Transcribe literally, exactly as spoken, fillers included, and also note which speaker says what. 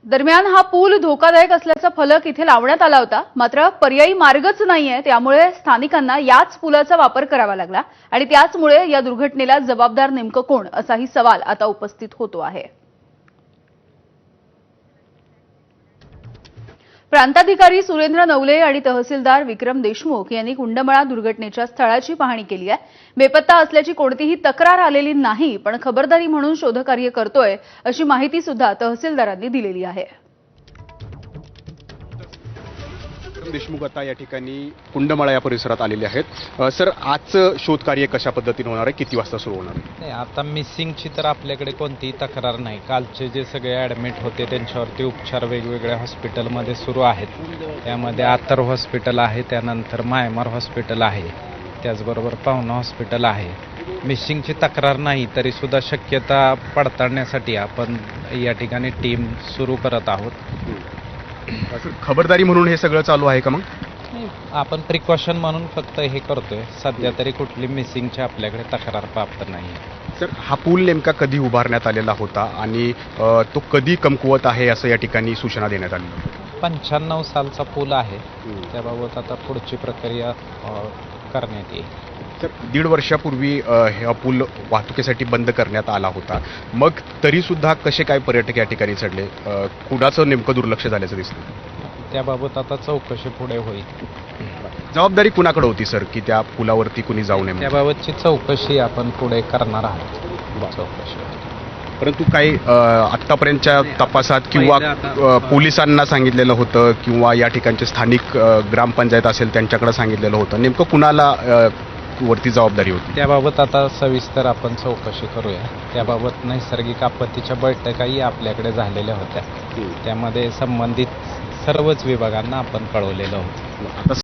Speaker 1: दरम्यान हा पूल धोकादायक असल्याचा फलक इथे लावण्यात आला होता, मात्र पर्यायी मार्गच नाहीये, त्यामुळे स्थानिकांना याच पुलाचा वापर करावा लागला आणि त्याचमुळे या दुर्घटनेला जबाबदार नेमकं कोण असाही सवाल आता उपस्थित होतो आहे। प्रांताधिकारी सुरेंद्र नवले आणि तहसीलदार विक्रम देशमुख यांनी कुंडमळा दुर्घटनेच्या स्थळाची पाहणी केली आहे। बेपत्ता असल्याची कोणतीही तक्रार आलेली नाही, पण खबरदारी म्हणून शोधकार्य करतोय अशी माहिती सुद्धा तहसीलदारांनी दिलेली आहे।
Speaker 2: देशमुख आता या ठिकाणी कुंडमळा या परिसरात आलेले आहेत। सर, आजचं शोधकार्य कशा पद्धतीने होणार आहे, किती वाजता सुरू होणार आहे?
Speaker 3: नाही, आता मिसिंगची तर आपल्याकडे कोणतीही तक्रार नाही। कालचे जे सगळे ॲडमिट होते त्यांच्यावरती उपचार वेगवेगळ्या हॉस्पिटलमध्ये सुरू आहेत। त्यामध्ये आतर हॉस्पिटल आहे, त्यानंतर मायमार हॉस्पिटल आहे, त्याचबरोबर पाहुणा हॉस्पिटल आहे। मिसिंगची तक्रार नाही तरी सुद्धा शक्यता पडताळण्यासाठी आपण या ठिकाणी टीम सुरू करत आहोत।
Speaker 2: सर, खबरदारी म्हणून हे सगळं चालू आहे का? मग
Speaker 3: आपण प्रिकॉशन म्हणून फक्त हे करतोय। सध्या तरी कुठली मिसिंगची आपल्याकडे तक्रार प्राप्त नाही।
Speaker 2: सर, हा पूल नेमका कधी उभारण्यात आलेला होता आणि अ, तो कधी कमकुवत आहे असं या ठिकाणी सूचना देण्यात आली?
Speaker 3: पंच्याण्णव सालचा पूल आहे, त्याबाबत आता पुढची प्रक्रिया अ, करण्यात येईल।
Speaker 2: सर, दीड वर्षापूर्वी अ, हा पूल वाहतुकीसाठी बंद करण्यात आला होता, मग तरी सुद्धा कसे काय पर्यटक या ठिकाणी चढले? अ, कुणाचं नेमकं दुर्लक्ष झाल्याचं दिसतं?
Speaker 3: त्याबाबत आता चौकशी पुढे होईल।
Speaker 2: जबाबदारी कुणाकडे होती सर, की त्या पुलावरती कुणी जाऊ नये?
Speaker 3: त्याबाबतची चौकशी आपण पुढे करणार आहोत। चौकशी
Speaker 2: परंतु काही अ, आत्तापर्यंतच्या तपासात किंवा अ, पोलिसांना सांगितलेलं होतं किंवा या ठिकाणचे स्थानिक अ, ग्रामपंचायत असेल त्यांच्याकडे सांगितलेलं होतं, नेमकं कुणाला अ, वरती जबाबदारी होती?
Speaker 3: त्याबाबत आता सविस्तर आपण चौकशी करूया। त्याबाबत नैसर्गिक आपत्तीच्या बैठकाही आपल्याकडे झालेल्या होत्या, त्यामध्ये संबंधित सर्वच विभागांना आपण कळवलेलं होतं।
Speaker 2: आता